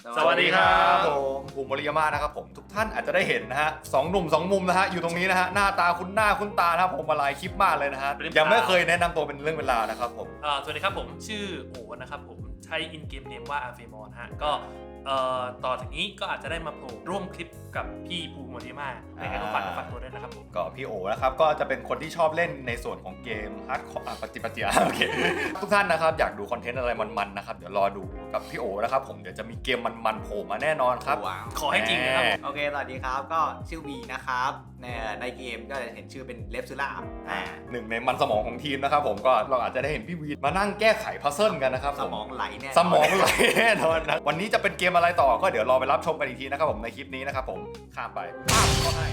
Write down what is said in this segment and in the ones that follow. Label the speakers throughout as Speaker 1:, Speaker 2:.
Speaker 1: สวัสดีครับผมภูมิ มริยมานะครับผมทุกท่านอาจจะได้เห็นนะฮะสองหนุ่มสองมุมนะฮะอยู่ตรงนี้นะฮะหน้าตาคุ้นหน้าคุ้นตานะครับผมมาหลายคลิปมากเลยนะฮะยังไม่เคยแนะนำตัวเป็นเรื่องเวลาวนะครับผม
Speaker 2: สวัสดีครับผมชื่อโอนะครับผมใช้อินเกมเนมว่าอาเฟมอนฮะก็ต่อจากนี้ก็อาจจะได้มาโผล่ร่วมคลิปกับพี่ภูมิ มริยมาในการฝากตัวด้วยนะครับผม
Speaker 1: ก็พี่โอนะครับก็จะเป็นคนที่ชอบเล่นในส่วนของเกมฮาร์ดคอร์ปฏิปฏิยาโอเคทุกท่านนะครับอยากดูคอนเทนต์อะไรมันๆนะครับเดี๋ยวรอดูกับพี่โอนะครับผมเดี๋ยวจะมีเกมมันๆโผล่มาแน่นอนครับ
Speaker 2: ขอให้จริงนะครับ
Speaker 3: โอเคสวัสดีครับก็ชื่อวีนะครับในเกมก็จะเห็นชื่อเป็นเลฟซูล่า
Speaker 1: หนึ่งในมันสมองของทีมนะครับผมก็เราอาจจะได้เห็นพี่วีมานั่งแก้ไขพัซเซิลกันนะครับ
Speaker 3: สมองไหลแน่
Speaker 1: สมองไหลแน่นอนนะวันนี้จะเป็นเกมอะไรต่อก็เดี๋ยวรอไปรับชมกันอีกทีนะครับผมในคลิปนี้นะครับผมข้ามไปก็ให้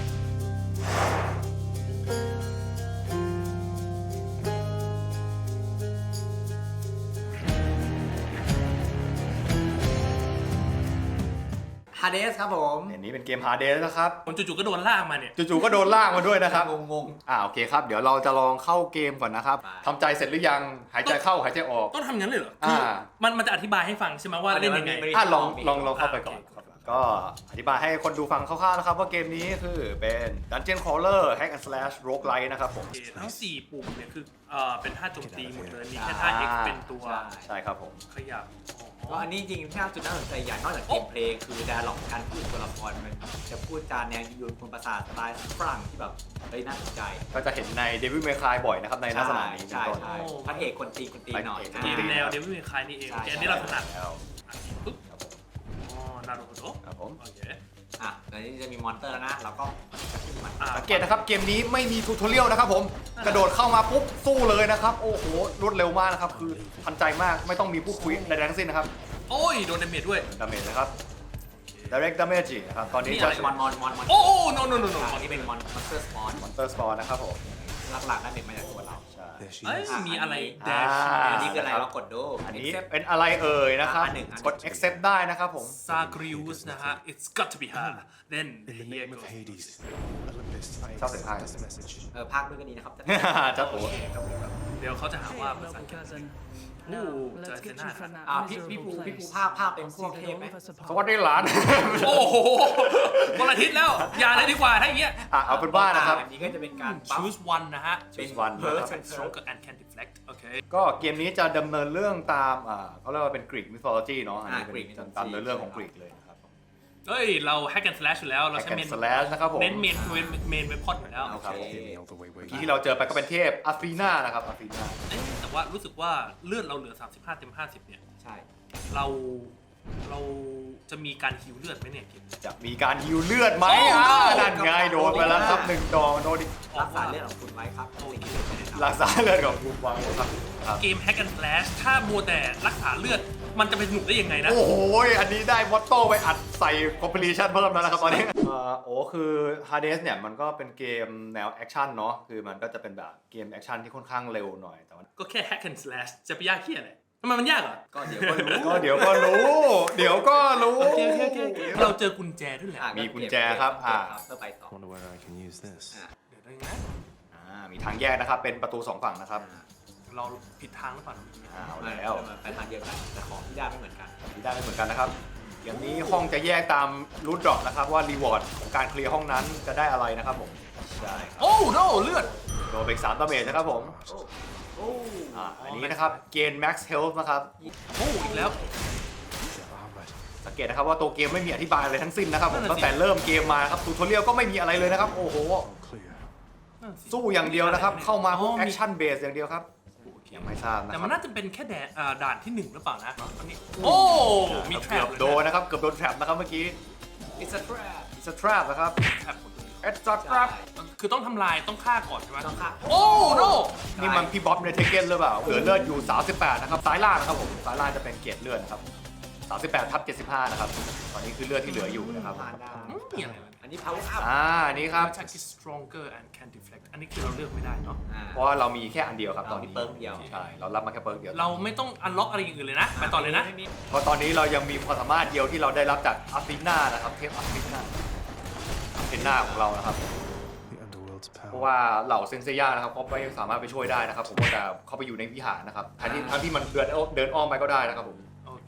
Speaker 3: ฮาเดสครับผม
Speaker 1: อันนี้เป็นเกม Hades นะครับ
Speaker 2: ผมจู่ๆก็โดนลากมาเนี่ย
Speaker 1: จู่ๆก็โดนลากมาด้วยนะครับงงโอเคครับเดี๋ยวเราจะลองเข้าเกมก่อนนะครับทำใจเสร็จหรือยังหายใจเข้าหายใจออก
Speaker 2: ต้องทำงั้นเลยเหรอคือมันจะอธิบายให้ฟังใช่ไหมว่าเล่นยังไง
Speaker 1: ลองเข้าไปก่อนก็อธิบายให้คนดูฟังคร่าวๆนะครับว่าเกมนี้คือเป็น Dungeon Crawler Hack and Slash Roguelike นะครับผม
Speaker 2: ทั้ง4ปุ่มเนี่ยคือเป็นท่าโจมตีหมดเลยมีแค่ท่า X เป็นตัว
Speaker 1: ใช่ครับผม
Speaker 2: ขยับ
Speaker 3: ก็อันนี้จริงที่จุดน่าสนใจอย่างนอกจากเกมเพลย์คือดาล็อกการพูดตัวละครมันจะพูดจาแนวยูนคนประสาทสไตล์ฝรั่งที่แบบน่าสนใจ
Speaker 1: ก็จะเห็นใน Devil May Cry บ่อยนะครับในลักษณะนี้
Speaker 3: ใช่พระเอกคนตีหน่อย
Speaker 2: เกมแนว Devil May Cryนี่เองอันนี้เราถนัดปุ๊บนารูโตะ
Speaker 1: ครับผม
Speaker 2: โอเค
Speaker 3: แล้วนี่จะมีมอนเตอร์แล้วนะเราก็
Speaker 1: สังเกตนะครับเกมนี้ไม่มีทูทอเรียลนะครับผมกระโดดเข้ามาปุ๊บสู้เลยนะครับโอ้โหรวดเร็วมากนะครับคือทันใจมากไม่ต้องมีพูดคุยใดๆทั้งสิ้นนะครับ
Speaker 2: โอ้ยโดนดาเมจด้วย
Speaker 1: ดาเมจนะครับ direct damage นะครับตอนนี้จะ
Speaker 3: มอน
Speaker 2: โอ้โน
Speaker 3: ตอนนี้เป็นมอนสเตอร์สป
Speaker 1: อนนะครับผม
Speaker 3: หลักๆนั่นเองมาจากตัวเรา
Speaker 2: มีอะไร
Speaker 3: แดชอันนี้คืออะไรเรากดดู
Speaker 1: อันนี้เป็นอะไรเอ่ยนะครับกด accept ได้นะครับผม
Speaker 2: ซากริอุสนะฮะ it's got to be her then here goes
Speaker 1: ชอบเสียงภาค
Speaker 3: ภาคด้วยก็ดีนะครับ
Speaker 1: จะโอ้
Speaker 2: เดี๋ยวเขาจะหาว่าภาษาอังกฤษจะเซน่า
Speaker 3: พี่ภูภาคเป็นพวกเทพไหม
Speaker 1: สวัสดีหลาน
Speaker 2: โอ้โหคนละทิศแล้วอย่าเลยดีกว่าถ้าอย่างเงี้ย
Speaker 1: เอาเป็นว่านะครับ
Speaker 3: อันนี้ก็จะเป็นการ
Speaker 2: choose one นะฮะ
Speaker 1: เป็น
Speaker 2: Burst and Stronger and can deflect โอเค
Speaker 1: ก็เกมนี้จะดำเนินเรื่องตามเขาเรียกว่าเป็น Greek mythology เนาะอันนี้เป็นตามเรื่องของกรีกเลยนะครับ
Speaker 2: เฮ้ยเรา hack and slash อยู่แล้วเราใช้เมน
Speaker 1: slash นะครับผม
Speaker 2: เน้นเมนเว็บพอดอยู่แล้ว
Speaker 1: ครับที่เราเจอไปก็เป็นเทพอาฟีนานะครับอาฟีนา
Speaker 2: แต่ว่ารู้สึกว่าเลือดเราเหลือ35เต็ม50เนี่ย
Speaker 3: ใช่
Speaker 2: เราจะมีการฮิวเลือดไหมเนี่ย
Speaker 1: จะมีการฮิวเลือดไหมนั่นไงโดนไปแล้วครับ1 ดอกโดนอีก
Speaker 3: รักษาเลือดของคุณไว้ครับ
Speaker 1: รักษาเลือดของคุณไว้ครับ
Speaker 2: เกม Hack and Slash ถ้ามัวแต่รักษาเลือดมันจะเป็นสนุกได้ยังไงนะ
Speaker 1: โอ้โหอันนี้ได้มอตโต้ไปอัดใส่ compilation เพิ่มแล้วนะครับตอนนี้คือ Hades เนี่ยมันก็เป็นเกมแนวแอคชั่นเนาะคือมันก็จะเป็นแบบเกมแอคชั่นที่ค่อนข้างเร็วหน่อยแต่ว่า
Speaker 2: ก็แค่ Hack and Slash จะไปยากเหี้ยอะไรทำไมมันยากอ่ะ
Speaker 3: ก็เดี๋ยวก็รู้
Speaker 1: โอเค
Speaker 2: เราเจอกุญแจด้วยแหละ
Speaker 1: มีกุญแจครับ
Speaker 3: เพื่อไปต่อ
Speaker 2: เดี๋ยวได้ไง
Speaker 1: มีทางแยกนะครับเป็นประตู2ฝั่งนะครับ
Speaker 2: เราผิดทางหรือเปล่า
Speaker 1: เอาแล้ว
Speaker 3: ไปทางเดียวกันแต่ของที่ได้ไม่เหมือนกัน
Speaker 1: นะครับอย่างนี้ห้องจะแยกตามรูทดรอปนะครับว่ารีวอร์ดของการเคลียร์ห้องนั้นจะได้อะไรนะครับผม
Speaker 2: ใช่โอ้โนเลือด
Speaker 1: โดนไป3 ดาเมจนะครับผมอันนี้นะครับเกณฑ์ max health นะครับ
Speaker 2: อีกแล้ว
Speaker 1: สังเกตนะครับว่าตัวเกมไม่มีอธิบายอะไรทั้งสิ้นนะครับผมตั้งแต่เริ่มเกมมาครับทูทอเรียลก็ไม่มีอะไรเลยนะครับโอ้โหสู้อย่างเดียวนะครับเข้ามาพวกแอคชั่นเบสอย่างเดียวครับยังไม่ทราบนะ
Speaker 2: แต่มันน่าจะเป็นแค่ด่านที่1หรือเปล่านะตอนนี้โอ้มีแทร็ป
Speaker 1: โดนนะครับเกือบโดนแทร็ปนะครับเมื่อกี้
Speaker 3: it's a trap
Speaker 1: นะครับ it's a trap
Speaker 2: คือต้องทำลายต้องฆ่าก่อนใช่ไหม
Speaker 3: ต้องฆ่า
Speaker 2: โอ้โน
Speaker 1: นี่มันพี่บ๊อบในเทเก้นหรือเปล่าเหลือเลือดอยู่38นะครับซ้ายล่างนะครับผมซ้ายล่างจะเป็นเกรดเลือดนะครับ38/75นะครับตอนนี้คือเลือดที่เหลืออยู่นะครับ
Speaker 2: อันนี้
Speaker 3: power up
Speaker 1: นี่ครับ
Speaker 2: attack is stronger and can deflect อันนี้คือเราเลือกไม่ได้เนาะ
Speaker 1: เพราะว่าเรามีแค่อันเดียวครับตอนนี้
Speaker 3: เปิร์กเดียว
Speaker 1: ใช่เรารับมาแค่เปิร์กเดียว
Speaker 2: เราไม่ต้องอันล็อกอะไรอย่างอื่นเลยนะไปต่อเลยนะ
Speaker 1: เพราะตอนนี้เรายังมีความสามารถเดียวที่เราได้รับจากอาฟิน่านะครับเทพอาฟิน่าของเรานะครับเพราะว่าเหล่าเซนเซียนะครับเขาไม่สามารถไปช่วยได้นะครับผมว่าแต่เขาไปอยู่ในวิหารนะครับทั้งที่มันเดินอ้อมไปก็ได้นะครับผม
Speaker 2: โอเค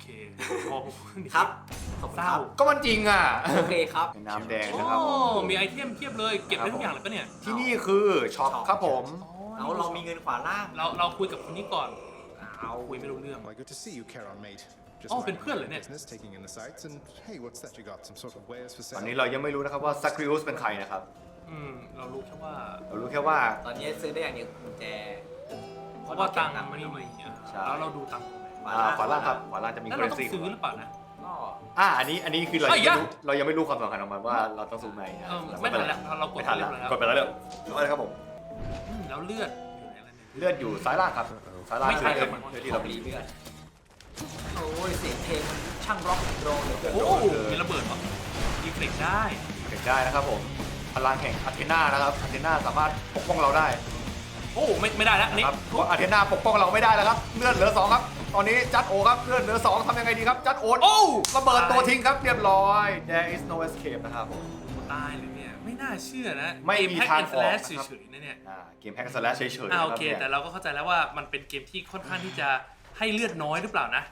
Speaker 2: เคมอง
Speaker 3: ครับขอบคุณ
Speaker 2: เศ
Speaker 3: ค
Speaker 2: ร้า
Speaker 3: รับ
Speaker 1: ก็มันจริงอ่ะ
Speaker 3: โอเคครับ
Speaker 1: เป็นน้ำแดง
Speaker 2: โอ้
Speaker 1: นะครับ
Speaker 2: มีไอเทมเทียบเลยเก็บได้ทุกอย่างเลยปะเนี่ย
Speaker 1: ที่นี่คือช็อปครับผม
Speaker 3: เอาเรามีเงินขวาล่าง
Speaker 2: เราคุยกับคนนี้ก่อน
Speaker 3: เอา
Speaker 2: คุยไม่รู้เรื่อง
Speaker 4: Why, good to see you, Charon, mate. Just
Speaker 2: Oh,
Speaker 4: minding
Speaker 2: เป็นเพื่อนเหรอ
Speaker 4: my
Speaker 2: เนี่ย
Speaker 4: business, taking in the sights, and hey, what's that you got? Some sort of wares for
Speaker 1: ตอน
Speaker 4: sale?
Speaker 1: นี้เรายังไม่รู้นะครับว่าซักริอุสเป็นใครนะครับ
Speaker 2: เรารู้แค่ว่า
Speaker 1: เรารู้แค่ว่า
Speaker 3: ตอนนี้ซื้อได้อย่างเดียวกุญแจ
Speaker 2: เพราะว่าตังค์มันไม่มี
Speaker 1: ใช่
Speaker 2: แล้วเราดูตังค์ตรงไหน
Speaker 1: ขวาล่างครับขวาล่างจะมี
Speaker 2: แล้ว
Speaker 1: เคร
Speaker 2: เรา
Speaker 1: น
Speaker 2: ต้อง
Speaker 1: ซี
Speaker 2: ซื้อหรือเปล่านะ
Speaker 3: ก็
Speaker 1: อันนี้คือเรา
Speaker 2: เอ้ย
Speaker 1: ยังไม่รู้เรายังไม่รู้ความสำคัญของมันว่าเราต้องซูมไหนนะ
Speaker 2: ไม่ทันแล้วเรากด
Speaker 1: ไม่
Speaker 2: ไป
Speaker 1: ทัน
Speaker 2: เรีย
Speaker 1: แล้ว
Speaker 2: บร้อยแล้ว
Speaker 1: กดไปแล้วเรื่องอะไรครับผม
Speaker 2: แล้วเลือดอยู่ไหนแล้วเนี่ย
Speaker 1: เลือดอยู่ซ้ายล่างครับซ้ายล่าง
Speaker 2: ไม่ใช่
Speaker 1: คือ
Speaker 2: ครับ
Speaker 1: เลือด
Speaker 3: ที่
Speaker 1: ที่
Speaker 3: เรา
Speaker 1: เรา
Speaker 3: รี
Speaker 1: มี
Speaker 3: เลือดโอ้ยเสียงเพลงมันช่างร็อกแอนด์โรลเหลือเกิน
Speaker 2: โอ้มีระเบิดปะดีเฟล็กได้
Speaker 1: เก็บได้นะครับผมพลังแห่งอาเทนานะครับอาเทนาสามารถปกป้องเราได้
Speaker 2: โอ้ไม่ได้แล้วอัน
Speaker 1: นะ
Speaker 2: นี่
Speaker 1: ครับเพราะอาเทนาปกป้องเราไม่ได้แล้วครับเลือดเหลือ2ครับตอนนี้จัดโอครับเลือดเหลือ2ทำยังไงดีครับจัดโอ
Speaker 2: โอ้
Speaker 1: ระเบิดตัวทิ้งครับเรียบร้อย there is no escape นะครับผม
Speaker 2: ตายเลยเนี่ยไม่น่าเชื่อนะ
Speaker 1: ไม่มีทางออก
Speaker 2: แพ็ก
Speaker 1: นะครับ
Speaker 2: เฉยๆนะเนี่ย
Speaker 1: เกมแฮกสแลชเฉยๆนะค
Speaker 2: โอ
Speaker 1: รับ
Speaker 2: เค
Speaker 1: เนี่ย
Speaker 2: แต่เราก็เข้าใจแล้วว่ามันเป็นเกมที่ค่อนข้างที่จะให้เลือดน้อยหรือเปล่านะ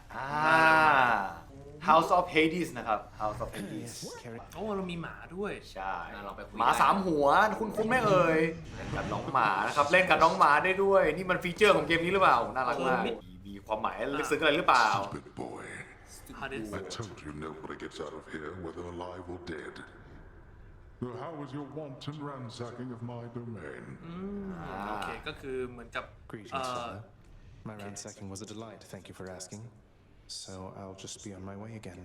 Speaker 1: House of Hades นะครับ House of Hades
Speaker 4: Yes, Charon.
Speaker 2: โอ้เรามีหมาด้วย
Speaker 1: ใช่
Speaker 3: เราไปคุย
Speaker 1: หมา3หัวคุณไม่เอ่ยเล่นกับน้องหมานะครับเล่นกับน้องหมาได้ด้วย นี่มันฟีเจอร์ของเกมนี้หรือเปล่าน่ารักมากมีความหมายลึกซึ้งอะไรหรือเปล่า
Speaker 5: Stupid boy.
Speaker 2: Hades
Speaker 5: I told you nobody gets out of here, whether alive or dead. So how was your wanton ransacking of my domain?
Speaker 2: โอเคก็คือเหมือนกับ
Speaker 4: Greetings, father. My ransacking was a delight, thank you for asking. So I'll just be on my way again.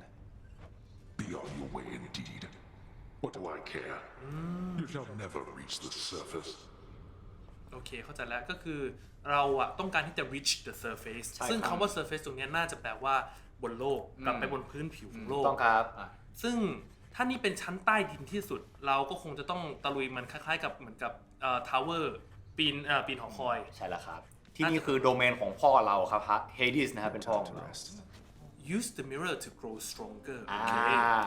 Speaker 5: Be on your way indeed. What do I care? You shall never reach the surface.
Speaker 2: โอเคเข้าใจแล้วก็คือเราอะต้องการที่จะ reach the surface
Speaker 1: ใช่ครับ
Speaker 2: ซึ่งคำว่า surface ตรงเนี้ยน่าจะแปลว่าบนโลกกลับไปบนพื้นผิวของโลก
Speaker 1: ต้องครับ
Speaker 2: ซึ่งถ้านี่เป็นชั้นใต้ดินที่สุด เราก็คงจะต้องตะลุยมันคล้ายๆกับเหมือนกับทาวเวอร์ปีนหอคอย
Speaker 1: ใช่แล้วครับ ที่นี่คือโดเมนของพ่อเราครับฮะ Hades นะครับเป็นพ่อ
Speaker 4: Time
Speaker 1: ของ
Speaker 4: to
Speaker 1: เรา
Speaker 4: rest.
Speaker 2: use the mirror to grow stronger โอ
Speaker 1: อ่า
Speaker 2: เค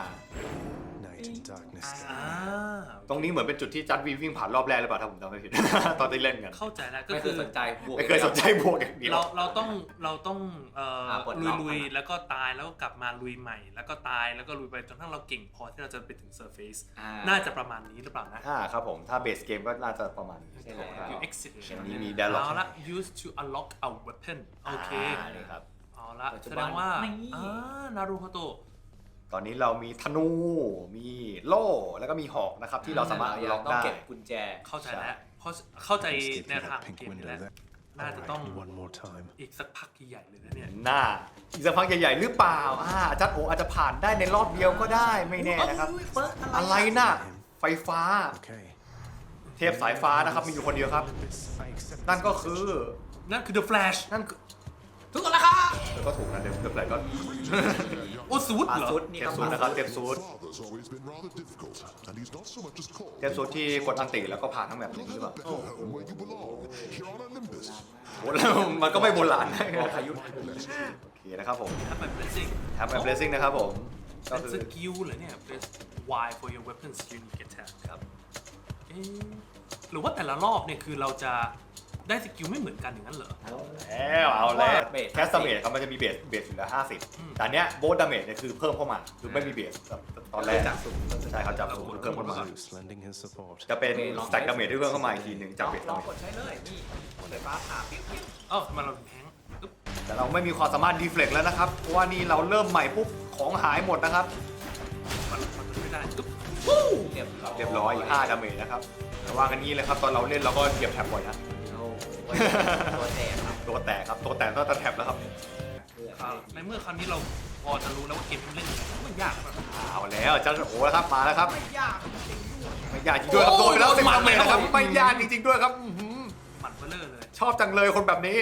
Speaker 4: Night and darkness.
Speaker 1: ตรงนี้เหมือนเป็นจุดที่จัดวีวิ่งผ่านรอบแรกหรือเปล่าถ้าผมจำไม่ผิด ตอนที่เล่นกัน
Speaker 2: เข้าใจแล้วก็
Speaker 3: ไม่เค
Speaker 2: คื
Speaker 3: ย
Speaker 2: อ
Speaker 3: สนใจบวก
Speaker 1: ไม่เคยสนใจบวกอย่างเดียว
Speaker 2: เราต้อง
Speaker 3: ปลดล็อก
Speaker 2: ลุย
Speaker 3: มัน
Speaker 2: ๆแล้วก็ตายแล้วก็กลับมาลุยใหม่ แล้วก็ตายแล้วก็ลุยไปจนทั้งเราเก่งพอที่เราจะไปถึง surface น่าจะประมาณนี้หรือเปล่านะ
Speaker 1: ครับผมถ้าเบสเกมก็น่าจะประมาณนี้
Speaker 3: ใช่แล้ว
Speaker 2: อยู่ exit
Speaker 1: อันนี้มี dialogue
Speaker 2: เอาละ use to unlock a weapon โอเค
Speaker 1: นี่ครับ
Speaker 2: เอาละ
Speaker 3: ปัจจุ
Speaker 2: แส
Speaker 3: บั
Speaker 2: ด
Speaker 3: น
Speaker 2: งว่า
Speaker 3: นี่
Speaker 2: นารูโฮโตะ
Speaker 1: ตอนนี้เรามีธนู มีโล่ แล้วก็มีหอกนะครับที่เราสามารถ
Speaker 3: เรา
Speaker 1: ล็อก
Speaker 3: ต้อง
Speaker 1: ได้
Speaker 3: เก็บกุญแจ
Speaker 2: เข้าใจแล้วเพราะเข้าใจ
Speaker 4: Let's get
Speaker 2: แนว
Speaker 4: through
Speaker 2: ทาง
Speaker 4: that
Speaker 2: ของ
Speaker 4: pink
Speaker 2: เกมนี้
Speaker 4: window
Speaker 2: แล้ว
Speaker 4: there.
Speaker 2: น่าจะต้อง
Speaker 4: Alright, one more time.
Speaker 2: อีกสักพักใหญ่ๆเลยนะเนี่ย
Speaker 1: หน้าอีกสักพักใหญ่ๆหรือเปล่าจัดโออาจจะผ่านได้ในรอบเดียวก็ได้ไม่แน่นะครับ อะไรน่ะ ไฟฟ้า
Speaker 4: Okay.
Speaker 1: เทพสายฟ้านะครับมีอยู่คนเดียวครับ
Speaker 4: Olympus, I accept
Speaker 1: นั่น
Speaker 4: this
Speaker 1: ก็
Speaker 4: message.
Speaker 1: คือ
Speaker 2: นั่นคือ The Flash
Speaker 1: นั่นคือ
Speaker 3: ทุกคนละครับ
Speaker 1: ก็ถูกนะเดี๋ยวอะไรก็
Speaker 2: โอ้สูด
Speaker 3: ปา
Speaker 2: เหรอ
Speaker 3: ซุดนี่
Speaker 1: เท
Speaker 3: ค
Speaker 1: พ
Speaker 3: รับ
Speaker 1: สูตรนะครับเทพสูตร
Speaker 5: Father's always been rather difficult, and he's not so much as called.
Speaker 1: เทพสูตรที่กดอันติแล้วก็ผ่านทั้งแบบนี้หรือเปล่า
Speaker 5: Better home where you belong, here on Olympus.
Speaker 1: โหแล้วมันก็ไม่โบราณ
Speaker 3: บอกพายุ
Speaker 1: โอเคนะครับผม
Speaker 2: ถ้าเป็น blessing
Speaker 1: ทำแบบ blessing นะครับผมก็
Speaker 2: เป็น
Speaker 1: คื
Speaker 2: ส
Speaker 1: อ
Speaker 2: กิลเหรอเนี่ย press Y for your weapons unique attack ครับเอ๊ะหรือว่าแต่ละรอบเนี่ยคือเราจะได้สกิลไม่เหมือนกันอย่างนั้นเหรอ
Speaker 1: แล้วเอาแล้วแคสเมจครับมันจะมีเบสอยู่แล้ว50แต่เนี้ยโบสดาเมจเนี่ยคือเพิ่มเข้ามาคือไม่มีเบสแบบตอนแรก
Speaker 3: จากสูง
Speaker 1: ใช่ครับจับสูงเพิ่มเข้ามา
Speaker 4: Zeus lending his support.
Speaker 1: จะเป็นสแต็กดาเมจที่เพิ่มเข้ามาอีกทีหนึ่งจากเบส
Speaker 3: ล
Speaker 1: ดา
Speaker 3: อง
Speaker 1: เมจ
Speaker 3: กดใช้เลยนี่ไฟฟ้าผ่าปิ้วปิ้ว
Speaker 2: เอ้าทำไมเราถึงแพ้งปึ๊บ
Speaker 1: แต่เราไม่มีความสามารถดีเฟล็กแล้วนะครับเพราะว่านี่เราเริ่มใหม่ปุ๊บของหายหมดนะครับ
Speaker 2: มันไม่ได้ปึ๊บ
Speaker 1: เรียบร้อยอีก5ดาเมจนะครับแต่ว่ากันนี้เลยครับตอนเราเล่นเราก็เหยียบแท็บบ่อยนะ
Speaker 3: โอ้โหตัวแจกครับ
Speaker 1: ตัวแตกครับตัวแตกต้องตะแท็บแล้วครับ
Speaker 2: ในเมื่อคราวนี้เราพอจะรู้แล้วว่าเกมที่เล่นยังไงมันยากครับ
Speaker 1: เอาแล้วจันโอ้แล้วครับมาแล้วครับ
Speaker 3: ไม่ยาก
Speaker 1: ไม่ยากจริงด้วยครับโดนไปแล้ว10ดาเมจนะครับไม่ยากจริงๆด้วยครับอื้อหือ
Speaker 2: หมันเบลเลอร์เลย
Speaker 1: ชอบจังเลยคนแบบนี้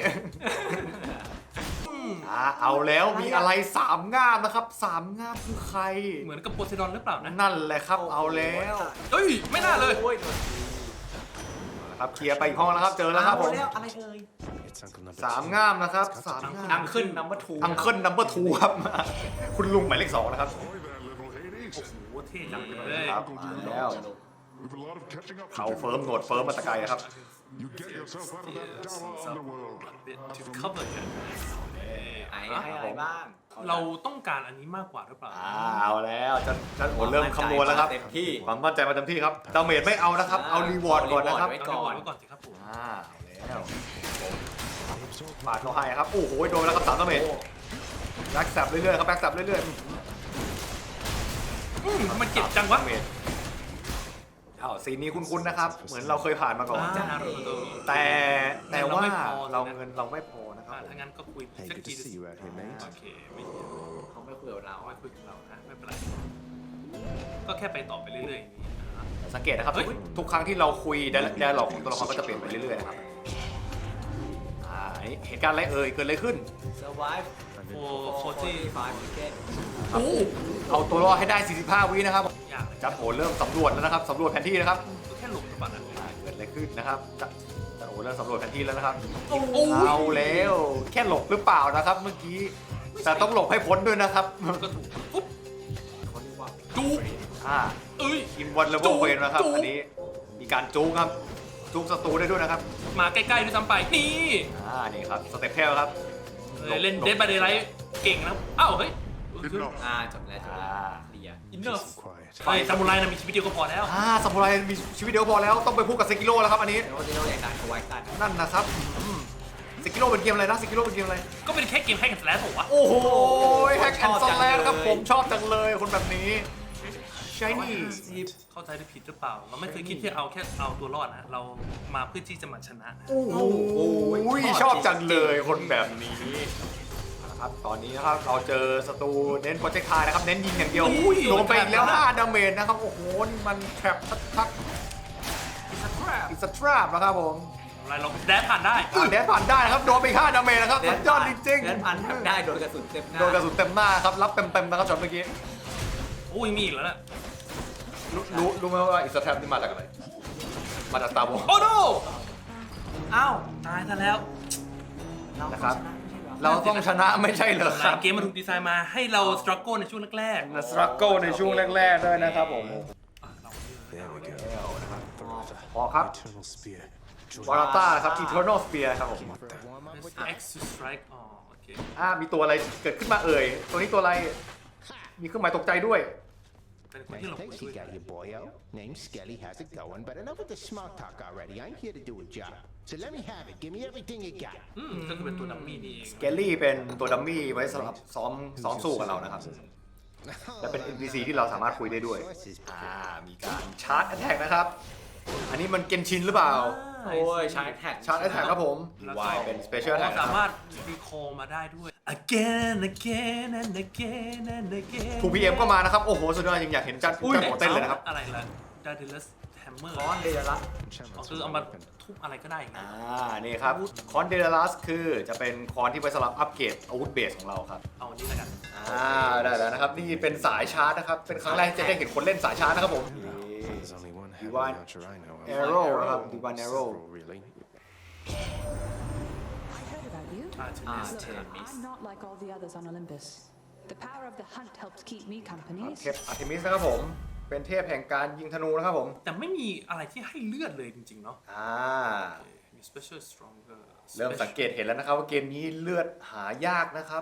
Speaker 1: เอาแล้วมีอะไร3ง่ามนะครับ3ง่ามคือใคร
Speaker 2: เหมือนกับโพไซดอนหรือเปล่านะ
Speaker 1: นั่นแหละครับเอาแล้ว
Speaker 2: เฮ้ยไม่น่าเลย
Speaker 3: โอ้ย
Speaker 1: ครับเคลียร์ไปอีกห้องแล้วครับเจอแล้วครับผม
Speaker 3: แล้วอะไรเอ่ย
Speaker 4: It's Uncle Number
Speaker 1: 3
Speaker 4: Two.
Speaker 1: ง่ามนะครับ3
Speaker 3: อั
Speaker 1: ง่าม
Speaker 3: งขึ้นนัมเบอร์ทู
Speaker 1: อังเคิลนัมเบอร์2ครับ คุณลุงหมายเลข2นะครับ
Speaker 5: Ahoy there, little Hades.
Speaker 2: โอ้เท่จังเลย
Speaker 1: ครับมาแล้ว
Speaker 5: We've a lot of catching up
Speaker 1: เขา
Speaker 5: to do.
Speaker 1: เฟิร์มหนวดเฟิร์มมาแตะไกลนะครับ
Speaker 5: You get yourself out of that dour underworld.
Speaker 2: to cover กัน
Speaker 3: ไหนให้อะไรบ้าง
Speaker 2: เราต้องการอันนี้มากกว่าหรือเปล่า
Speaker 1: เอาแล้วจันโอเริ่มคำนวณแล้วครับ
Speaker 3: เต็มที่
Speaker 1: ความมั่นใจมาเต็มที่ครับดาเมจไม่เอานะครับเอารีวอร์ดก่อนนะครับ
Speaker 3: ไว้
Speaker 2: เอา
Speaker 3: ก่
Speaker 2: ดี
Speaker 3: อน
Speaker 2: ไว้ก่อนสิครับผม
Speaker 1: เอาแล้วปาดเขาให้ครับโอ้โหโดนไปแล้วครับ3ดาเมจแบ็กแซบเรื่อยๆครับแบ็กแซบเรื่อยๆ
Speaker 2: มันเจ็บจังวะ
Speaker 1: อ้าวซีนนี้คุ้นๆนะครับ เหมือนเราเคยผ่านมาก่อน
Speaker 2: นารูโตะ
Speaker 1: แต่ว่า
Speaker 2: เราไม่พอ
Speaker 1: เราเงินเราไม่พอนะครับ
Speaker 2: ถ้างั้นก็คุย
Speaker 4: Hey,
Speaker 2: สัก
Speaker 4: good
Speaker 2: ที
Speaker 4: to see you out here, mate.
Speaker 2: โอเคไม่เยอะ
Speaker 3: เขาไม่คุยกับเรา
Speaker 2: เอาไว้คุยกับเรานะไม่เป็นไรก็แค่ไปต่อไปเรื่อยๆอย่างนี้อ่า
Speaker 1: สังเกตนะครับ
Speaker 2: เฮ้ย
Speaker 1: ทุกครั้งที่เราคุยไดอะล็อกของตัวละครก็จะเปลี่ยนไปเรื่อยๆนะครับเหตุการณ์อะไรเกิดอะไรขึ้น
Speaker 3: survive 45 ticket
Speaker 1: เอาตัวรอดให้ได้ 45 วินะครับ
Speaker 2: ยากเลย
Speaker 1: จัดโอเริ่มสำรวจแล้วนะครับสำรวจแผนที่นะครับ
Speaker 2: ก็แค่หลบหรือเปล่านะ
Speaker 1: เกิดอะไรขึ้นนะครับจัดโอเริ่มสำรวจแผนที่แล้วนะครับ
Speaker 2: โอ้โห
Speaker 1: เอาแล้วแค่หลบหรือเปล่านะครับเมื่อกี้แต่ต้องหลบให้พ้นด้วยนะครับ
Speaker 2: ก็ถูกปุ๊บ
Speaker 3: เขาเรียกว่า
Speaker 2: จุ๊บ เอ้ย
Speaker 1: อิมวันเลเวลเวนนะครับ
Speaker 2: จุ๊บ
Speaker 1: อันนี้มีการจูงครับจูงศัตรูได้ด้วยนะครับ
Speaker 2: มาใกล้ๆด้วยซ้ำไปนี่
Speaker 1: นี่ครับสเต็ปเทลครับ
Speaker 2: เล่นเดดบายเดย์ไลท์เก่งนะอ้าวเฮ้ย
Speaker 3: จบแล้วเคลียร์
Speaker 2: อินเนอร์
Speaker 4: Quiet.
Speaker 2: ไฟซามูไรนะมีชีวิตเดียวก็พอแล้ว
Speaker 1: ซามูไรมีชีวิตเดียวพอแล้วต้องไปพูดกับเซกิโร่แล้วครับอันนี้
Speaker 3: เดี๋ยวเราอยากดันเขาไว้กัน
Speaker 1: นั่นนะครับเซกิโร่เป็นเกมอะไรนะเซกิโร่เป็นเกมอะไร
Speaker 2: ก็เป็นแค่เกมให้กันแล้วผมวะ
Speaker 1: โอ้โหแฮกแอนด์สแลนครับผมชอบจังเลยคนแบบนี้ใช่นี่
Speaker 2: เข้าใจได้ผิดหรือเปล่า เราไม่เคยคิดที่แค่เอาตัวรอดนะ เรามาเพื่อที่จะมาชนะนะ
Speaker 1: โอ้โหชอบจังเลยคนแบบนี้นะครับตอนนี้นะครับเราเจอศัตรูเน้นโปรเจกต์ไทนะครับเน้นยิงอย่างเดียว
Speaker 2: อุ้ย
Speaker 1: โดนไปอีกแล้ว5ดาเมจนะครับโอ้โหนี่มันแทรปทัก
Speaker 2: อิสตรา
Speaker 1: อิสตราบนะครับผม
Speaker 2: อะไรเราแดนผ่านได้
Speaker 1: แดนผ่านได้นะครับโดนไป5ดาเมจนะครับสุดยอดจริง
Speaker 3: เดินพันทำได้โดนกระสุนเต็มหน้า
Speaker 1: โดนกระสุนเต็มหน้าครับรับเต็มๆนะครับช็อตเมื่อกี้
Speaker 2: โอ้ยมีอีกแล้วนะ
Speaker 1: รู้ไหมว่าอิสตราบนี่มาจากอะไรมาจากตาบอ
Speaker 2: โอ้โนอ้าวตายซะแล้ว
Speaker 1: นะครับเราต้องชนะไม่ใช่เหรอครับ
Speaker 2: เกมมันถูกดีไซน์มาให้เราสตรัคเกิลในช่วงแรกๆ
Speaker 1: สตรัคเกิลในช่วงแรกๆด้วยนะครับผม
Speaker 4: There we go.
Speaker 1: พอครับ
Speaker 4: Eternal spear.
Speaker 1: วาราต้าครับ Eternal Spear ครับผม
Speaker 2: X to strike อ๋อโอเค
Speaker 1: มีตัวอะไรเกิดขึ้นมาเอ่ยตัวนี้ตัวอะไรมีเครื่องหมายตกใจด้วย
Speaker 2: เป็นคน
Speaker 6: Nice
Speaker 2: ที่หลง
Speaker 6: place you got here, boyo. Name's Skelly. How's it going? But enough with the smart talk already. I'm here to do a job. So let me have it. Give me everything you got.
Speaker 2: ก็คือเป็นตัวดัมมี่นี่เอง
Speaker 1: เกลลี่เป็นตัวดัมมี่ไว้สำหรับซ้อมสู้กับเรานะครับ และเป็น NPC ที่เราสามารถคุยได้ด้วย มีการชาร์จแอ t แทกนะครับ อันนี้มันเกนชินหรือเปล่า
Speaker 3: โอ้ยชาร์จแท็ก
Speaker 1: ชาร์จแอ t แทกครับผม
Speaker 2: แล้วก็
Speaker 1: วายเป็น Special
Speaker 2: เรา
Speaker 1: Attack
Speaker 2: สามารถรีคอลมาได้ด้วย again again and again and again
Speaker 1: ทูพีเอ็มก็มานะครับ โอ้โห สุดยอดจริงอยากเห็นจันหัวเต้นเลยนะครับ
Speaker 2: อะไรล่ะ Daedalus Hammer
Speaker 3: ร้อนเดือดละ
Speaker 2: อ๋อคือเอามาทุบอะไรก็ได้อย่างเงี้ย
Speaker 1: นี่ครับ คอนเดลัสคือจะเป็นคอนที่ไว้สำหรับอัปเกรดอาวุธเบสของเราครับ
Speaker 2: เอาอันนี้แล้วกัน
Speaker 1: ได้แล้วนะครับ นี่เป็นสายชาร์จนะครับ เป็นครั้งแรกที่จะได้เห็นคนเล่นสายชาร์จนะครับผม
Speaker 4: There's only one heavy
Speaker 1: Divine
Speaker 4: archer I know of.
Speaker 1: Arrow นะครับ Divine Arrow
Speaker 4: Several, really.
Speaker 7: I heard about you.
Speaker 2: Artemis
Speaker 7: Look, I'm not like all the others on Olympus. The power of the hunt helps keep me company.
Speaker 1: เทพอาร์เทมิสนะครับผม เป็นเทพแห่งการยิงธนูนะครับผม
Speaker 2: แต่ไม่มีอะไรที่ให้เลือดเลยจริงๆเนาะ มี special stronger
Speaker 1: เริ่มสังเกตเห็นแล้วนะครับว่าเกมนี้เลือดหายากนะครับ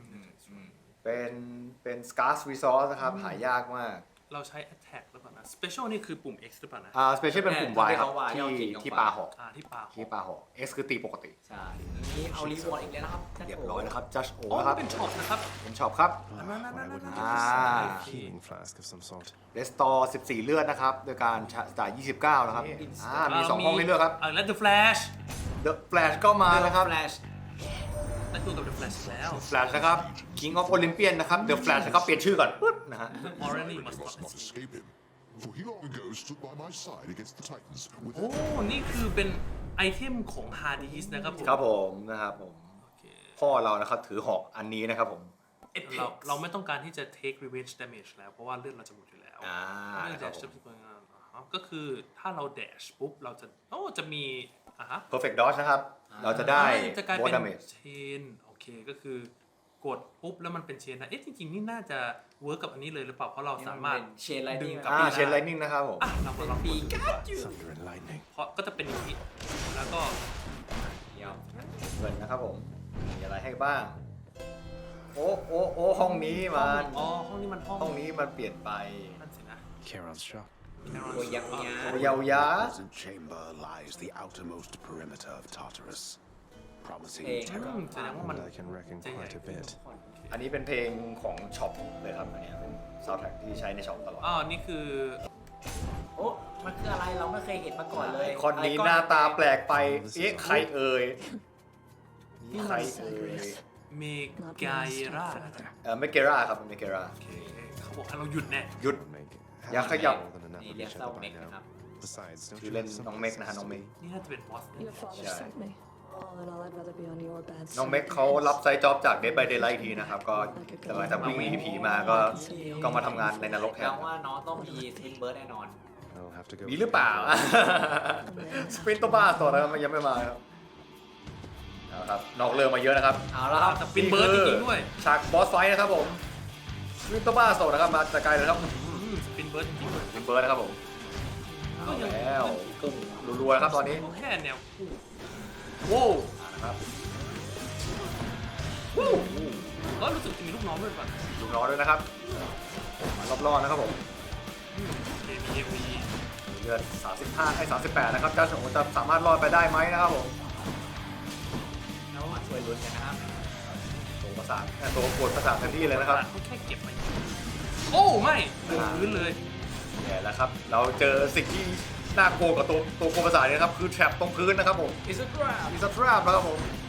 Speaker 1: เป็น scarce resource นะครับ หายากมาก
Speaker 2: เราใช้ attack หรือเปล่านะ special นี่คือปุ่ม X หรือเปล่านะ
Speaker 1: special เป็นปุ่ม Y ครับ ที่ปาหอก
Speaker 2: ที่ปา
Speaker 1: ที่ปาหอก X คือตีปกติ
Speaker 3: ใช่นี่เอารีวอร์ดอีกแล้วนะครับ
Speaker 1: เรียบร้อยนะครับ Judge O
Speaker 2: อ๋อ
Speaker 1: นะครับ
Speaker 2: เป็นช็อปนะครับ
Speaker 1: เป็นช็อปครับ
Speaker 2: นั่น
Speaker 4: Healing flask of some sort.
Speaker 1: Restore 14 เลือดนะครับ โดยการจ่าย 29 นะครับ มี 2 ห้องให้เลือกครับ
Speaker 2: แล้ว The Flash
Speaker 1: The Flash ก็มานะครับ
Speaker 3: แฟลช
Speaker 2: นั่นคือกับ The Flash แล้ว
Speaker 1: Flash นะครับ King of Olympian นะครับ The Flash นะครับเปลี่ยนชื่อก่อนปึ๊บนะฮะ
Speaker 2: Already
Speaker 5: I
Speaker 2: must
Speaker 5: must not
Speaker 2: not
Speaker 5: escape him, for he long ago stood by my side against the Titans with
Speaker 2: โอ้ นี่คือเป็นไอเทมของ Hades นะครับผม
Speaker 1: ครับผมนะครับผม
Speaker 2: โอเค
Speaker 1: พ่อเรานะครับถือหอกอันนี้นะครับผม
Speaker 2: เราไม่ต้องการที่จะ take revenge damage แล้ว เพราะว่าเลือดเราจะหมดอยู่แล้วเลือด dash จะเป็นงานก็คือถ้าเรา dash ปุ๊บ เราจะมี
Speaker 1: Perfect Dodge นะครับ เราจะได้
Speaker 2: จะกลาย
Speaker 1: Board
Speaker 2: เป็น
Speaker 1: Damage
Speaker 2: เชนโอเคก็คือกดปุ๊บแล้วมันเป็นเชนนะจริงๆนี่น่าจะเวิร์กกับอันนี้เลยหรือเปล่าเพราะเราสามารถ
Speaker 3: เชนไลนิ่ง
Speaker 2: ดึงกลับ
Speaker 1: เชนไลนิ่งนะครับผม
Speaker 2: เรามาลองปีก
Speaker 4: Thunder and lightning.
Speaker 2: เพราะก็จะเป็นอย่างนี้แล้วก็
Speaker 3: เดี๋ยว
Speaker 1: เงินนะครับผม มีอะไรให้บ้างโอ้ห้องนี้มัน
Speaker 2: อ๋อห้องนี้มันห้อง
Speaker 1: ห้องนี้มันเปลี่ยนไป
Speaker 2: นั่นสินะ
Speaker 4: Charon's shop.
Speaker 3: โอ้ยยักษ์ยา
Speaker 1: โอยาวยา
Speaker 8: present chamber lies the outermost perimeter of Tartarus, promising
Speaker 3: Hey.
Speaker 8: terror.
Speaker 2: แสดงว่ามัน
Speaker 4: And I can reckon quite a bit.
Speaker 1: อันนี้เป็นเพลงของช็อปเลยครับอันนี้เป็นซาวด์แทร็กที่ใช้ในช็อปตลอด
Speaker 2: อ๋อนี่คือ
Speaker 3: โอ้มันคืออะไรเราไม่เคยเห็นมาก่อนเลย
Speaker 1: คอนนี้หน้าตาแปลกไป เอ๊ะใครเอ่ยนี่ใครเอ่ย
Speaker 2: เมกายรา
Speaker 1: เมเกราครับเมเกรา
Speaker 2: โอเคเขาบอกให้เราหยุดแน่
Speaker 1: หยุด
Speaker 4: Meg,
Speaker 1: Yeah,
Speaker 4: haven't we
Speaker 1: yeah.
Speaker 4: more than enough
Speaker 3: นี่
Speaker 4: of
Speaker 3: เรียก
Speaker 4: each
Speaker 3: เศร้า
Speaker 4: other
Speaker 3: เม
Speaker 4: by
Speaker 3: กนะครับ
Speaker 4: now? Besides, don't
Speaker 1: ชื่อ
Speaker 4: you
Speaker 1: เล่น
Speaker 4: have
Speaker 1: น้อง
Speaker 4: some
Speaker 1: เมกนะฮะน้องเมก
Speaker 2: นี่น่าจะเป็นบอส
Speaker 7: Your father
Speaker 1: Yeah.
Speaker 7: sent me. All in all, I'd rather be on your bed.
Speaker 1: น้องเมกเขารับไซต์จ็อบจาก Dead by Daylight ทีนะครับ ก็หลังจากวิ่งหนีผีมาก็มาทำงานในนรกแท
Speaker 3: แปล
Speaker 1: น
Speaker 3: ว่าน้องต้องมีทวินเบิร์ดแน่นอน
Speaker 4: I'll have to go.
Speaker 1: มีหรือเปล่า สปรินต์ตัวบ้าตัวนะครับมันยังไม่มาครับเอาละครับนอกเรื่องมาเยอะนะครับ
Speaker 3: เอาละครับ
Speaker 2: จะเป็นเบิร์ดจริงๆด้วย
Speaker 1: ฉากบอสไฟท์นะครับผมสปรินต์ตัวบ้าโซนะครับมาจากไกลเลยครับ
Speaker 2: เป็นเบิร์ดจริงๆด้วย
Speaker 1: เป็นเบิร์ดนะครับผม
Speaker 2: ก็ยัง
Speaker 1: แล้วพุ่งรัวๆนะครับตอนนี้
Speaker 2: แค่แนวคู่
Speaker 1: โว้วนะครับ
Speaker 2: ก็รู้สึกจะมีลูกน้องด้วยป่ะ
Speaker 1: ลูกน้องด้วยนะครับมารอบๆนะครับผม
Speaker 2: เอ็มวี
Speaker 1: เลือด35ให้38นะครับเจ้าโฉจะสามารถรอดไปได้ไหมนะครับผม
Speaker 3: แล้วมาช่วยลุ้นกันนะครับ
Speaker 1: ตัวประสาทตัวปวดประสาทเต็มที่เลยนะครับ
Speaker 2: เขาแค่เก็บมาโอ้ไม่เดินพื้นเลย
Speaker 1: แย่แล้วครับเราเจอสิ่งที่น่ากลัวกับตัวกลัวประสาทเนี่ยนะครับคือแทรปตรงพื้นนะครับผม
Speaker 3: อิสรา
Speaker 1: มีสตราบนะครับผม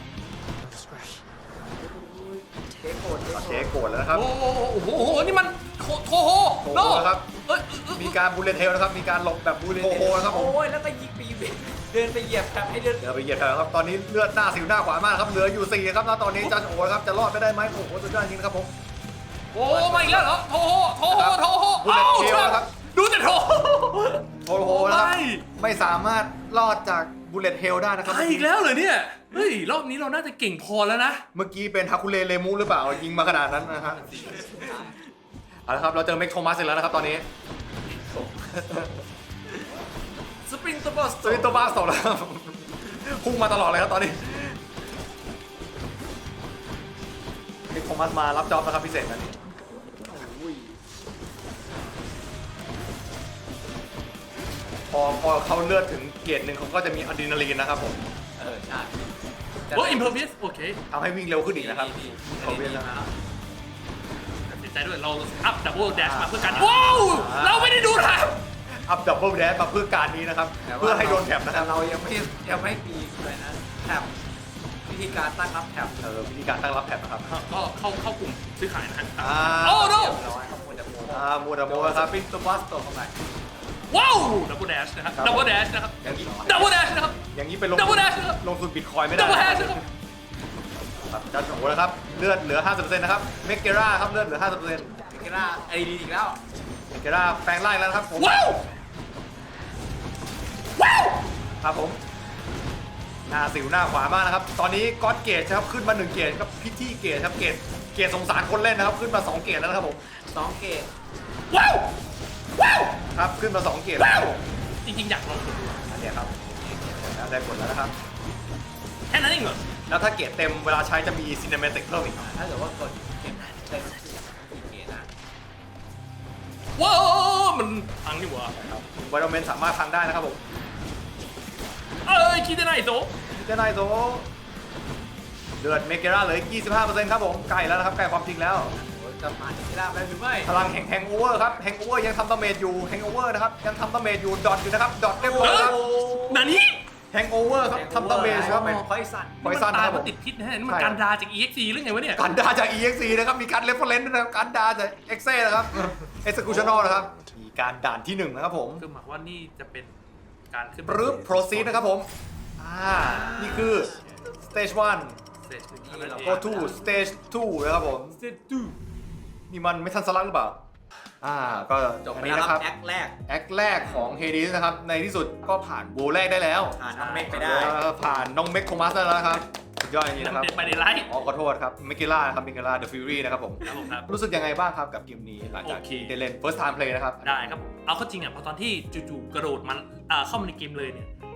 Speaker 3: เทโกด
Speaker 1: เจ๊โกรธแล้วนะครับ
Speaker 2: โอ้โหนี่มันโทโฮ
Speaker 1: โท
Speaker 2: โน
Speaker 1: โฮนะครับ
Speaker 2: เอ้ย
Speaker 1: มีการบูลเลตเทลนะครับมีการหลบแบบบูลเลตโฮนะครับผม
Speaker 3: โอ้ยแล้วก็ยิงปีนเดินไปเหยียบครับให้เดิน
Speaker 1: เดี๋ยวไปเหยียดกันครับตอนนี้เลือดหน้าสิวหน้าขวามากครับเหลืออยู่4ครับแล้วตอนนี้เจ้าโฉครับจะรอดไปได้ไหมโอ้โหสุดยอดจริงนะครับผม
Speaker 2: โอ้มาอีกแล้วเหรอโทโฮ
Speaker 1: บูลเลตเทลนะครับ
Speaker 2: ดูแต่โท
Speaker 1: โทโฮนะครับ
Speaker 2: ไม่
Speaker 1: ไม่สามารถรอดจากบูลเลตเฮลได้นะครับ
Speaker 2: ตายอีกแล้วเหรอเนี่ยเฮ้ยรอบนี้เราน่าจะเก่งพอแล้วนะ
Speaker 1: เมื่อกี้เป็นฮาคุเลเลมูหรือเปล่ายิงมาขนาดนั้นนะฮะเอาละครับเราเจอเมกโทมัสเสร็จแล้วนะครับตอนนี้
Speaker 2: สปริงตัวบอส
Speaker 1: สวิตโตบ้าสองแล้วครับพุ่งมาตลอดเลยครับตอนนี้เมกโทมัสมารับจ็อบนะครับพิเศษนะนี่พอเขาเลือดถึงเกรดหนึ่งเขาก็จะมีอะดรีนาลีนนะครับผม
Speaker 3: ใช่
Speaker 2: โอ้อิมเพอร์เวสโอเค
Speaker 1: ทำให้วิ่งเร็วขึ้นอีกนะครับเขาเวียนแล้ว
Speaker 2: ตัดสินใจด้วยเราอัพดับเบิลแดชมาเพื่อการว้าวเราไม่ได้ดูทาง
Speaker 1: อัพดับเบิลแดชมาเพื่อการนี้นะครับเพื่อให้โดนแถบนะค
Speaker 3: แต่
Speaker 1: รับ
Speaker 3: เรายังไม่ปีเลยนะแถบวิธีการตั้งรับแถบ
Speaker 1: วิธีการตั้งรับแถบนะครับ
Speaker 2: ก็เข้ากลุ่มซื้อขายนะฮะ
Speaker 1: โอ้
Speaker 2: โอ้
Speaker 1: โน
Speaker 2: โน
Speaker 3: เรียบร้อยครับคุณจะโม
Speaker 1: มูดาโมครับ
Speaker 3: ปินตัวบอสตัวเข้าไป
Speaker 2: ว้าวดับเบิลแดชนะครับดับเบิลแดชนะครับ
Speaker 1: อย่างนี้
Speaker 2: ดับเบิลแดชนะครับ
Speaker 1: อย่างนี้ไปลง
Speaker 2: Double dash นะครับ
Speaker 1: ลงทุนบิตคอยไม่ได้
Speaker 2: ดับเบิลแดชนะครับ
Speaker 1: ครับจัดโอ้นะครับเลือดเหลือ 50%นะครับเมกเกราครับเลือดเหลือ 50%เ
Speaker 3: มิกราไอดีอีกแล้ว
Speaker 1: มกเกราแปลงร่างแล้วนะครับผม
Speaker 2: ว้าวว้าว
Speaker 1: ครับผมหน้าสิวหน้าขวามากนะครับตอนนี้ก็อดเกตครับขึ้นมา1เกตครับพิธีเกตครับเกตสงสารคนเล่นนะครับขึ้นมา2เกตแล้วนะครับผม
Speaker 3: 2 เกต
Speaker 2: ว้าวว้าว
Speaker 1: ครับขึ้นมา2เกต
Speaker 2: ว้า
Speaker 1: แล้ว ว
Speaker 2: จริงๆอยากลองกดดู
Speaker 1: อันนี้ครับได้ผลแล้วนะครับ
Speaker 2: แค่นั้นเองเหรอ
Speaker 1: แล้วถ้าเกตเต็มเวลาใช้จะมีซีนิเมติกเพิ่มอีก
Speaker 3: ถ้าเกิดว่ากดเกมเป็น4 เกตนะ
Speaker 2: ว้าวมันพังนี่หว่า
Speaker 1: ไวโอเมนสามารถพังได้นะครับผม
Speaker 2: เอ้ยคิดได้ไหนโต
Speaker 1: เจไนโซเลือดเมกเกราเหลือ 25% ครับผมใกล้แล้วนะครับใกล้ความจริงแล้ว
Speaker 3: จะผ่านมิกราได้หรือไม่
Speaker 1: พลังแห่งโอเวอร์ครับแห่งโอเวอร์ยังทำดาเมจอยู่แห่งโอเวอร์นะครับยังทำดาเมจอยู่ดอทอยู่นะครับดอทเรียบร้อยครับ
Speaker 2: นานี่
Speaker 1: แห่งโอเวอร์ครับทำดาเมจครับ
Speaker 3: เป็นพอยซัน
Speaker 1: พอยซัน
Speaker 2: ตาย
Speaker 1: ครับ
Speaker 2: เพ
Speaker 1: ผม
Speaker 2: ราะติดพิษนะฮะนี่มัน
Speaker 1: ใช่
Speaker 2: การดาจาก EXE หรือไงวะเนี่ย
Speaker 1: การดาจาก EXE นะครับมีการเรฟเฟอเรนซ์ด้วยนะครับการดาจาก EXE นะครับ Executional นะครับมีการด่านที่1นะครับผม
Speaker 2: คือหมายว่านี่จะเป็นการขึ้น
Speaker 1: ปรึ๊บ proceed นะครับผมนี่คือ stage 1
Speaker 2: เสร็จเท่านั้นเอง
Speaker 1: go to stage 2นะครับผม
Speaker 3: เซตู
Speaker 1: นี่มันไม่ทันสลักหรือเปล่าก็
Speaker 3: จบ
Speaker 1: อัน
Speaker 3: ไป
Speaker 1: นี้
Speaker 3: แล้ว
Speaker 1: นะ
Speaker 3: ค
Speaker 1: ค
Speaker 3: รั
Speaker 1: รั
Speaker 3: บบ แอคแรก
Speaker 1: แอคแรกของเฮดิสนะครับในที่สุดก็ผ่านโบแรกได้แล้ว
Speaker 3: ผ่านน้องเมกไปได้
Speaker 1: ผ่านน้องเมกโคมัสได้แล้วนะครับสุดยอดจริงๆนะครับ
Speaker 2: เด็ดไปในไลฟ์
Speaker 1: ขอโทษครับเมกิล่าครับเมกิล่าเดอะฟิวรี่นะครับผม
Speaker 2: ครับผมครับ
Speaker 1: รู้สึกยังไงบ้างครับกับเกมนี้หลังจากที่
Speaker 2: โอเค
Speaker 1: ได้เล่น first time play นะครับ
Speaker 2: ได้ครับผมเอาเข้าจริงอ่ะพอตอนที่จู่ๆกระโดดมันเข้ามาในเกมเลยเนี่ย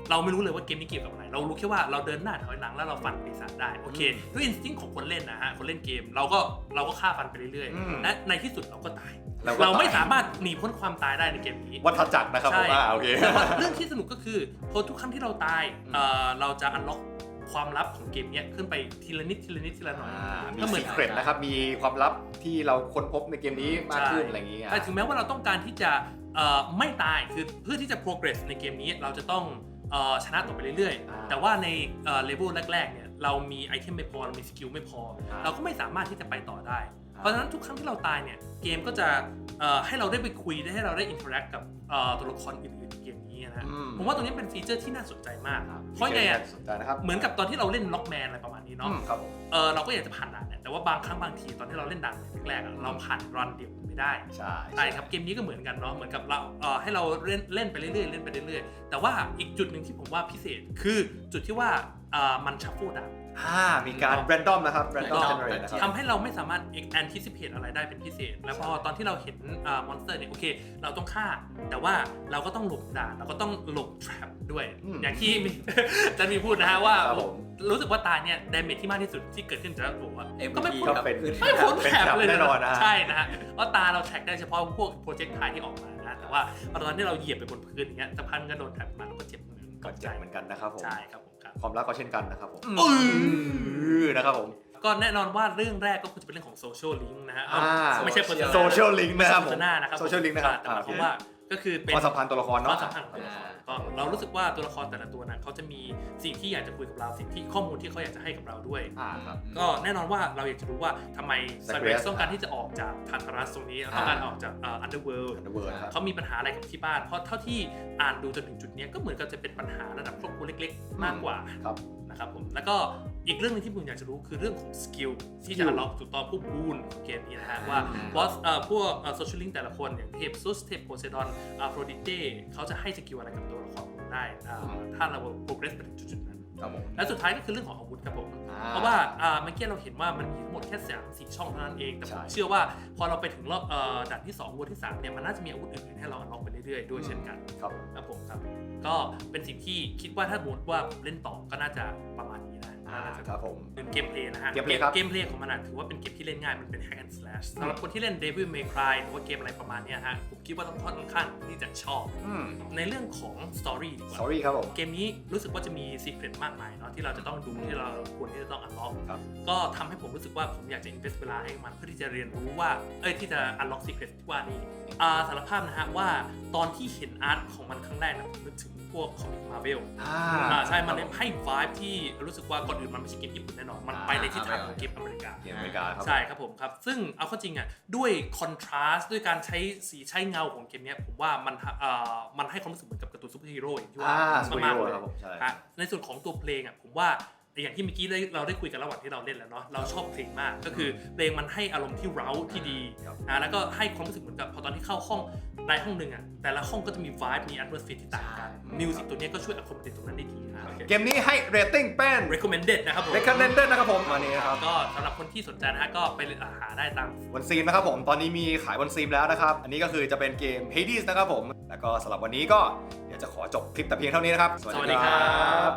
Speaker 2: เราไม่รู้เลยว่าเกมนี้เกี่ยวกับอะไรเรารู้แค่ว่าเราเดินหน้าถอยหลังแล้วเราฟันปีศาจได้โอเคด้วยอินสติ้งของคนเล่นนะฮะคนเล่นเกมเราก็ฆ่าฟันไปเรื่อยๆและในที่สุดเราก็ตายเราไม่สามารถหนีพ้นความตายได้ในเกมนี้
Speaker 1: วัฏจักรนะครับผมโอเค
Speaker 2: แต่ว่าเรื่องที่สนุกก็คือพอทุกครั้งที่เราตายเราจะอันล็อกความลับของเกมนี้ขึ้นไปทีละนิดทีละนิดทีละหน่อย
Speaker 1: มีซีเครตนะครับมีความลับที่เราค้นพบในเกมนี้มากขึ้นอะไรอย่างนี้
Speaker 2: แต่ถึงแม้ว่าเราต้องการที่จะไม่ตายคือเพื่อที่จะ progress ในเกมนี้เราจะต้องชนะต่อไปเรื่อยๆแต่ว่าในเลเวลแรกๆเนี่ยเรามีไอเทมไม่พอเรามีสกิลไม่พอเราก็ไม่สามารถที่จะไปต่อได้เพราะฉะนั้นทุกครั้งที่เราตายเนี่ยเกมก็จะให้เราได้ไปคุยได้ให้เราได้อินเทอร์แอคกับตัวละครอื่นๆในเกมนี้นะผมว่าตรงนี้เป็นฟีเจอร์ที่น่าสนใจมากเพราะไงอ่ะเหมือนกับตอนที่เราเล่นล็อกแมนอะไรประมาณนี้เนาะเราก็อยากจะผ่านด่านเนี่ยแต่ว่าบางครั้งบางทีตอนที่เราเล่นด่านแรกๆเราผ่านรันเดียวไม่ได้ใช่ครับเกมนี้ก็เหมือนกันเนาะเหมือนกับเราให้เราเล่นไปเรื่อยๆเล่นไปเรื่อยๆแต่ว่าอีกจุดหนึ่งที่ผมว่าพิเศษคือจุดที่ว่ามันชัฟเฟิลด่าน
Speaker 1: มีการแรนดอมนะครับแรนดอม
Speaker 2: ทำให้เราไม่สามารถ anticipate อะไรได้เป็นพิเศษแล้วพอตอนที่เราเห็นมอนสเตอร์เนี่ยโอเคเราต้องฆ่าแต่ว่าเราก็ต้องหลบด่านเราก็ต้องหลบ trap ด้วยอย่างที่จะมีพูดนะฮะว่ารู้สึกว่าตาเนี่ย damage ที่มากที่สุดที่เกิดขึ้นจากตัวก็ไม่พ้นแทร็บเลยแน่นอนใช่นะฮะเพราะตาเราแทร็กได้เฉพาะพวกโปรเจกต์ไทที่ออกมานะแต่ว่าตอนที่เราเหยียบไปบนพื้นอย่างเงี้ยสักพักก็โดนแทร็กมาแล้วก็เจ็บมือก็ใจ
Speaker 1: เหมือนกันนะครับผม
Speaker 2: ใช่ครับผมครับ
Speaker 1: ความรักก็เช่นกันนะครับผมนะครับผม
Speaker 2: ก็แน่นอนว่าเรื่องแรกก็คือจะเป็นเรื่องของโซเชียลลิงก์นะฮะไม่ใช่
Speaker 1: โซเชียลลิงก์นะครับผม
Speaker 2: โซเชียลลิงก์
Speaker 1: นะครับ
Speaker 2: แต่หมายความว่าก็คือเป็น
Speaker 1: ความสัมพันธ์ตัวละครเนาะ
Speaker 2: ความสัมพันธ์ของตัวละครก็เรารู้สึกว่าตัวละครแต่ละตัวนั้นเขาจะมีสิ่งที่อยากจะคุยกับเราสิ่งที่ข้อมูลที่เขาอยากจะให้กับเราด้วยก็แน่นอนว่าเราอยากจะรู้ว่าทำไมไซเบรสต้องการที่จะออกจากทาร์ทารัสตรงนี้ต้องการออกจากอันเดอร์เวิลด์เขามีปัญหาอะไรกับที่บ้านเพราะเท่าที่อ่านดูจนถึงจุดนี้ก็เหมือนกับจะเป็นปัญหาระดับครอบครัวเล็กๆมากกว่านะครับผมแล้วก็อีกเรื่องนึงที่ผมอยากจะรู้คือเรื่องของสกิลที่จะล็อกถูกต้องพวกบูนของเกมนี้นะฮะว่าบอสพวกโซเชียลลิงก์แต่ละคนอย่างเทพซุสเทพโพไซดอนโฟรดิเต้เขาจะให้สกิลอะไรกับตัวละครได้ถ้าเรา progress ไปถึงจุดๆนั้นและสุดท้ายก็คือเรื่องของอาวุธครับผมเพราะว่าเมื่อกี้เราเห็นว่ามันมีทั้งหมดแค่3-4 ช่องเท่านั้นเองแต่ผมเชื่อว่าพอเราไปถึงรอบด่านที่2วนที่3เนี่ยมันน่าจะมีอาวุธอื่นๆให้เราล็อกไปเรื่อยๆด้วยเช่นกันครับผมครับก็เป็นสิ่งที่คิดว่าถ้าสมมติว่าเล่นต่อก็น่าจะประมาณนี้นะครับผมเป็นเกมเพลย์นะฮะเกมเพลย์ของมันถือว่าเป็นเกมที่เล่นง่ายมันเป็น hack and slash สำหรับคนที่เล่น Devil May Cry หรือว่าเกมอะไรประมาณนี้ฮะผมคิดว่าต้องค่อนข้างที่จะชอบในเรื่องของ story ดีกว่า
Speaker 1: story ครับผม
Speaker 2: เกมนี้รู้สึกว่าจะมี secret มากมายเนาะที่เราจะต้องดูที่เราควรที่จะต้อง unlock ก็ทำให้ผมรู้สึกว่าผมอยากจะ invest เวลาให้มันเพื่อที่จะเรียนรู้ว่าที่จะ unlock secret ที่ว่านี้สารภาพนะฮะว่าตอนที่เห็นอาร์ตของมันครั้งแรกนะผมนึกถึงพวกคอมิกมาร์เวลใช่มันให้ vibe ที่รู้สึกว่าก่อนอื่นมันไม่ใช่เกมญี่ปุ่นแน่นอนมันไปในทิศทางของเกมอเมริกาใช่ครับผมครับซึ่งเอาเข้าจริงอ่ะด้วยคอนทราสต์ด้วยการใช้สีใช้เงาของเกมนี้ผมว่ามันให้ความรู้สึกเหมือนกับการ์ตูนซูเปอร์ฮีโร่อย่างที่ว่ามากเลยในส่วนของตัวเพลงอ่ะผมว่าอย่างที่เมื่อกี้เราได้คุยกันระหว่างที่เราเล่นแล้วเนาะเราชอบเพลงมากก็คือเพลงมันให้อารมณ์ที่เร้าที่ดีแล้วก็ให้ความรู้สึกเหมือนกับพอตอนที่เข้าห้องในห้องนึงอ่ะแต่ละห้องก็จะมี vibe มี atmosphere ที่ต่างกันมิวสิกตัวนี้ก็ช่วย accommodate ตรงนั้นได้ดี
Speaker 1: เกมนี้ให้ rating เป็น
Speaker 2: recommended นะครับผม
Speaker 1: recommended นะครับผมวันนี้นะครับ
Speaker 2: ก็สำหรับคนที่สนใจนะฮะก็ไปหาได้ตาม
Speaker 1: วันซีมนะครับผมตอนนี้มีขายวันซีมแล้วนะครับอันนี้ก็คือจะเป็นเกม Hades นะครับผมแล้วก็สำหรับวันนี้ก็เดี๋ยวจะขอจบคลิปแต่เพียงเท่านี้นะครับ
Speaker 2: สวัสดีครับ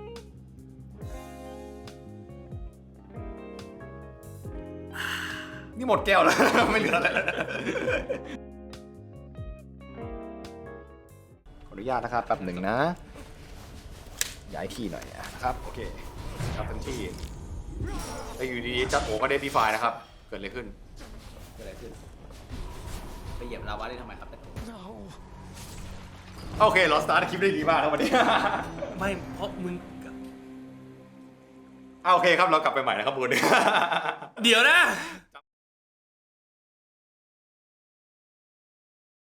Speaker 1: นี่หมดแก้วแล้ว ไม่เหลืออะไรขออนุญาตนะครับแป๊บหนึ่งนะย้ายที่หน่อยนะครับโอเคครับทันที่แล้วอยู่ดีๆจัดโอก็ได้ดีไฟนะครับเกิดอะไรขึ้น
Speaker 3: ไปเหยียบลาวาได้ทำไมครับ
Speaker 1: โอเคเราสตาร์ทคลิปได้ดีมากครับวันนี้
Speaker 2: ไม่เพราะมึง
Speaker 1: โอเคครับเรากลับไปใหม่นะครับบุญ
Speaker 2: เดี๋ยวนะ